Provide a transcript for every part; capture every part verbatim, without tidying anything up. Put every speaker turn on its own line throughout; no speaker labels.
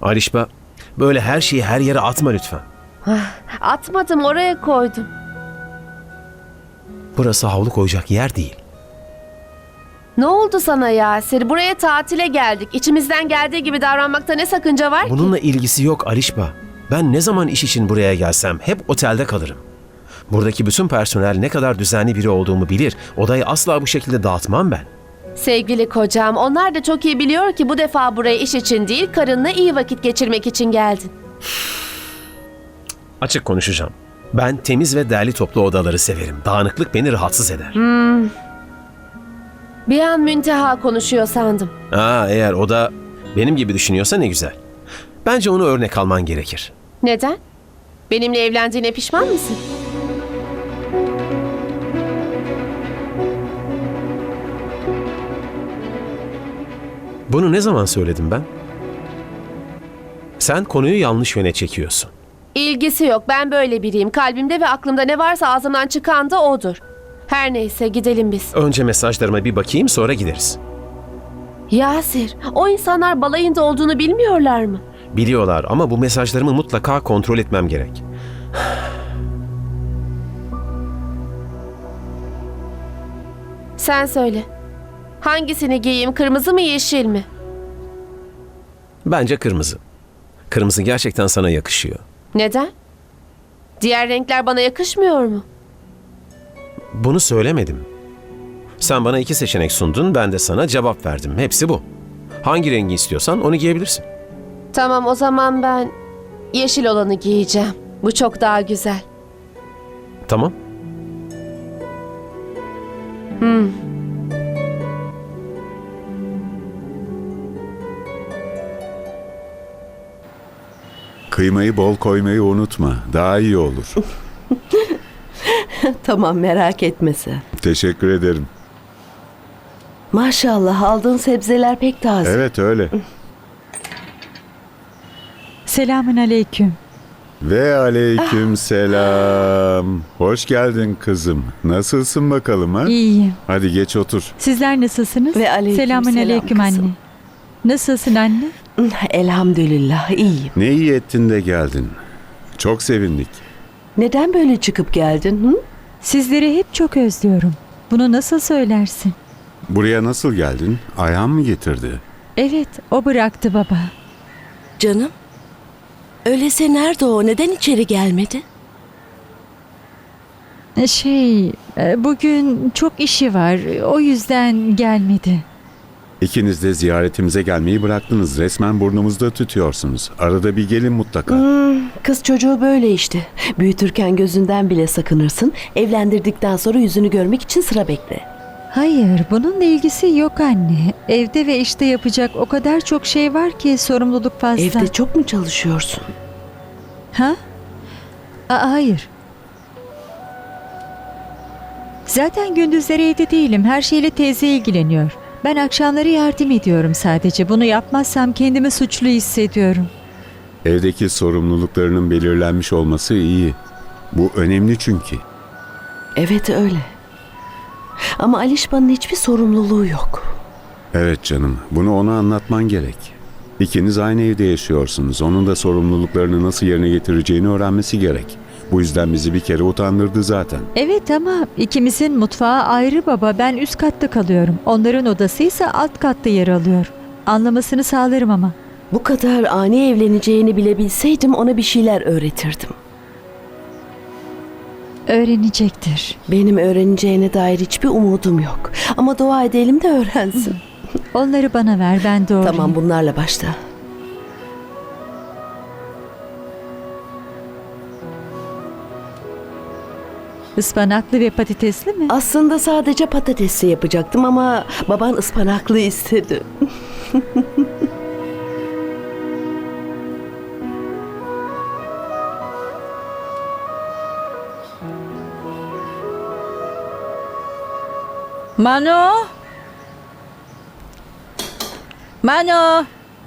Alişba, böyle her şeyi her yere atma lütfen.
Atmadım, oraya koydum.
Burası havlu koyacak yer değil.
Ne oldu sana Yasir? Buraya tatile geldik. İçimizden geldiği gibi davranmakta ne sakınca var ki?
Bununla ilgisi yok Alişba. Ben ne zaman iş için buraya gelsem hep otelde kalırım. Buradaki bütün personel ne kadar düzenli biri olduğumu bilir. Odayı asla bu şekilde dağıtmam ben.
Sevgili kocam, onlar da çok iyi biliyor ki bu defa buraya iş için değil, karınla iyi vakit geçirmek için geldin.
Açık konuşacağım. Ben temiz ve derli toplu odaları severim. Dağınıklık beni rahatsız eder.
Bir an Münteha konuşuyor sandım.
Aa, eğer o da benim gibi düşünüyorsa ne güzel. Bence onu örnek alman gerekir.
Neden? Benimle evlendiğine pişman mısın?
Bunu ne zaman söyledim ben? Sen konuyu yanlış yöne çekiyorsun.
İlgisi yok. Ben böyle biriyim. Kalbimde ve aklımda ne varsa ağzımdan çıkan da odur. Her neyse gidelim biz.
Önce mesajlarıma bir bakayım, sonra gideriz.
Yasir, o insanlar balayında olduğunu bilmiyorlar mı?
Biliyorlar ama bu mesajlarımı mutlaka kontrol etmem gerek.
Sen söyle. Hangisini giyeyim? Kırmızı mı, yeşil mi?
Bence kırmızı. Kırmızı gerçekten sana yakışıyor.
Neden? Diğer renkler bana yakışmıyor mu?
Bunu söylemedim. Sen bana iki seçenek sundun, ben de sana cevap verdim. Hepsi bu. Hangi rengi istiyorsan onu giyebilirsin.
Tamam, o zaman ben yeşil olanı giyeceğim. Bu çok daha güzel.
Tamam.
Hmm.
Kıymayı bol koymayı unutma. Daha iyi olur.
Tamam, merak etme sen.
Teşekkür ederim.
Maşallah, aldığın sebzeler pek taze.
Evet öyle.
Selamün aleyküm.
Ve aleyküm selam. Hoş geldin kızım. Nasılsın bakalım ha?
İyiyim.
Hadi geç otur.
Sizler nasılsınız?
Ve aleyküm
Selamün
selam
aleyküm
kızım.
anne. Nasılsın anne?
Elhamdülillah, iyiyim.
Ne iyi ettin de geldin. Çok sevindik.
Neden böyle çıkıp geldin? Hı?
Sizleri hep çok özlüyorum. Bunu nasıl söylersin?
Buraya nasıl geldin? Ayhan mı getirdi?
Evet, o bıraktı baba.
Canım, öyleyse nerede o? Neden içeri gelmedi?
Şey, e, bugün çok işi var. O yüzden gelmedi.
İkiniz de ziyaretimize gelmeyi bıraktınız. Resmen burnumuzda tütüyorsunuz. Arada bir gelin mutlaka.
Hmm, kız çocuğu böyle işte. Büyütürken gözünden bile sakınırsın. Evlendirdikten sonra yüzünü görmek için sıra bekle.
Hayır, bununla ilgisi yok anne. Evde ve işte yapacak o kadar çok şey var ki sorumluluk fazla.
Evde çok mu çalışıyorsun?
Ha? Aa, hayır. Zaten gündüzleri evde değilim. Her şeyle teyze ilgileniyor. Ben akşamları yardım ediyorum sadece. Bunu yapmazsam kendimi suçlu hissediyorum.
Evdeki sorumluluklarının belirlenmiş olması iyi. Bu önemli çünkü.
Evet öyle. Ama Alişba'nın hiçbir sorumluluğu yok.
Evet canım, bunu ona anlatman gerek. İkiniz aynı evde yaşıyorsunuz. Onun da sorumluluklarını nasıl yerine getireceğini öğrenmesi gerek. Bu yüzden bizi bir kere utandırdı zaten.
Evet ama ikimizin mutfağı ayrı baba. Ben üst katta kalıyorum. Onların odası ise alt katta yer alıyor. Anlamasını sağlarım ama.
Bu kadar ani evleneceğini bile bilseydim ona bir şeyler öğretirdim.
Öğrenecektir.
Benim öğreneceğine dair hiçbir umudum yok. Ama dua edelim de öğrensin.
Onları bana ver, ben doğrayayım.
Tamam, bunlarla başla.
Ispanaklı ve patatesli mi?
Aslında sadece patatesli yapacaktım ama baban ıspanaklı istedi.
Mano! Mano!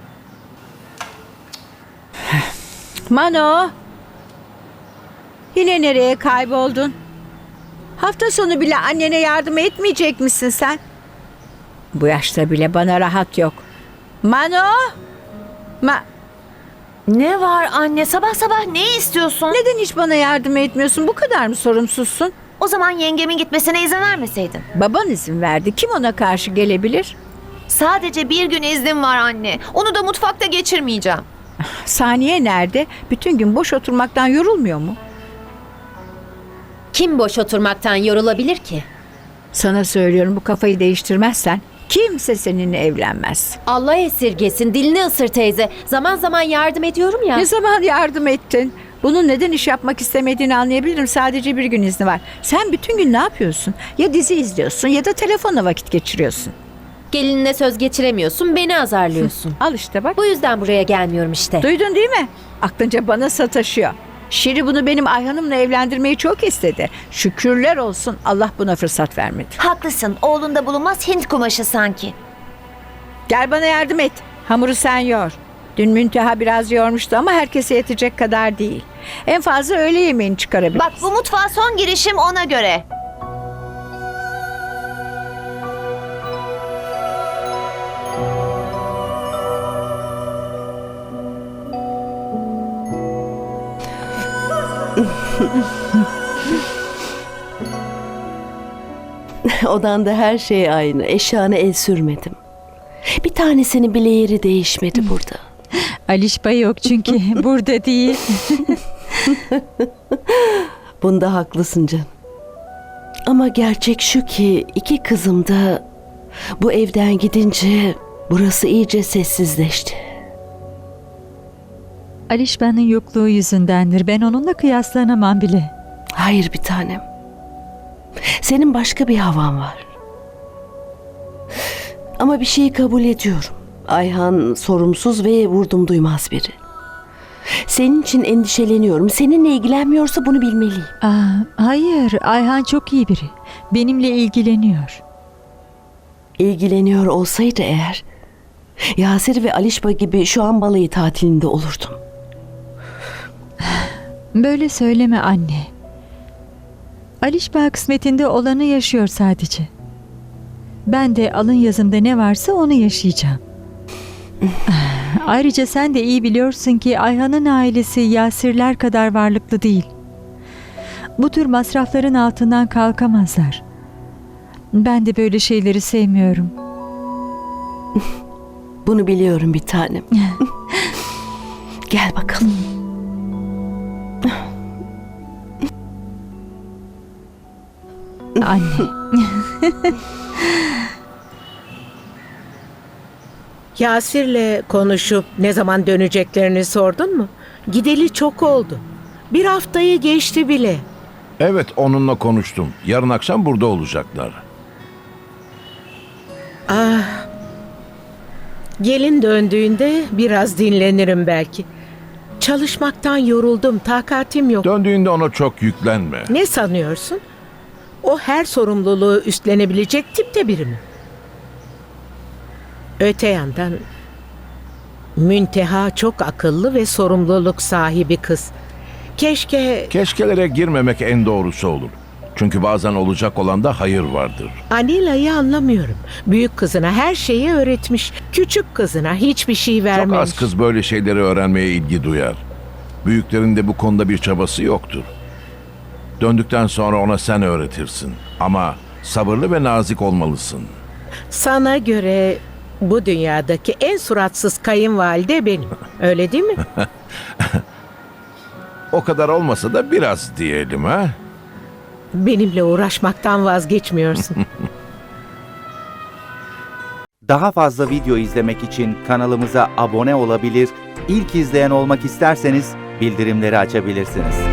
Mano! Yine nereye kayboldun? Hafta sonu bile annene yardım etmeyecek misin sen? Bu yaşta bile bana rahat yok. Mano! Ma...
Ne var anne? Sabah sabah ne istiyorsun?
Neden hiç bana yardım etmiyorsun? Bu kadar mı sorumsuzsun?
O zaman yengemin gitmesine izin vermeseydin.
Baban izin verdi. Kim ona karşı gelebilir?
Sadece bir gün iznim var anne. Onu da mutfakta geçirmeyeceğim.
Saniye nerede? Bütün gün boş oturmaktan yorulmuyor mu?
Kim boş oturmaktan yorulabilir ki?
Sana söylüyorum, bu kafayı değiştirmezsen kimse seninle evlenmez.
Allah esirgesin, dilini ısır teyze. Zaman zaman yardım ediyorum ya.
Ne zaman yardım ettin? Bunun neden iş yapmak istemediğini anlayabilirim. Sadece bir gün izni var. Sen bütün gün ne yapıyorsun? Ya dizi izliyorsun ya da telefonla vakit geçiriyorsun.
Gelinine söz geçiremiyorsun, beni azarlıyorsun.
Al işte bak.
Bu yüzden buraya gelmiyorum işte.
Duydun değil mi? Aklınca bana sataşıyor. Şiri bunu benim Ayhan'ımla evlendirmeyi çok istedi. Şükürler olsun Allah buna fırsat vermedi.
Haklısın. Oğlunda bulunmaz Hint kumaşı sanki.
Gel bana yardım et. Hamuru sen yoğur. Dün Münteha biraz yoğurmuştu ama herkese yetecek kadar değil. En fazla öğle yemeğini çıkarabiliriz.
Bak bu mutfağa son girişim ona göre.
Odanda her şey aynı. Eşyana el sürmedim. Bir tanesinin bile yeri değişmedi burada.
Alişba yok çünkü burada değil.
Bunda haklısın canım. Ama gerçek şu ki iki kızım da bu evden gidince burası iyice sessizleşti.
Alişba'nın yokluğu yüzündendir. Ben onunla kıyaslanamam bile.
Hayır bir tanem. Senin başka bir havan var. Ama bir şeyi kabul ediyorum. Ayhan sorumsuz ve vurdum duymaz biri. Senin için endişeleniyorum. Seninle ilgilenmiyorsa bunu bilmeliyim.
Aa, hayır, Ayhan çok iyi biri. Benimle ilgileniyor.
İlgileniyor olsaydı eğer, Yasir ve Alişba gibi şu an balayı tatilinde olurdum.
Böyle söyleme anne. Alişba kısmetinde olanı yaşıyor sadece. Ben de alın yazımda ne varsa onu yaşayacağım. Ayrıca sen de iyi biliyorsun ki Ayhan'ın ailesi Yasirler kadar varlıklı değil. Bu tür masrafların altından kalkamazlar. Ben de böyle şeyleri sevmiyorum.
Bunu biliyorum bir tanem. Gel bakalım.
Anne.
Yasir'le konuşup ne zaman döneceklerini sordun mu? Gideli çok oldu. Bir haftayı geçti bile.
Evet, onunla konuştum. Yarın akşam burada olacaklar.
Ah. Gelin döndüğünde biraz dinlenirim belki. Çalışmaktan yoruldum, takatim yok.
Döndüğünde ona çok yüklenme.
Ne sanıyorsun? O her sorumluluğu üstlenebilecek tipte biri mi? Öte yandan Münteha çok akıllı ve sorumluluk sahibi kız. Keşke
Keşkelere girmemek en doğrusu olur. Çünkü bazen olacak olanda hayır vardır.
Anila'yı anlamıyorum. Büyük kızına her şeyi öğretmiş. Küçük kızına hiçbir şey
Çok
vermemiş.
az kız böyle şeyleri öğrenmeye ilgi duyar. Büyüklerin de bu konuda bir çabası yoktur. Döndükten sonra ona sen öğretirsin. Ama sabırlı ve nazik olmalısın.
Sana göre bu dünyadaki en suratsız kayınvalide benim. Öyle değil mi?
O kadar olmasa da biraz diyelim ha.
Benimle uğraşmaktan vazgeçmiyorsun.
Daha fazla video izlemek için kanalımıza abone olabilir, ilk izleyen olmak isterseniz bildirimleri açabilirsiniz.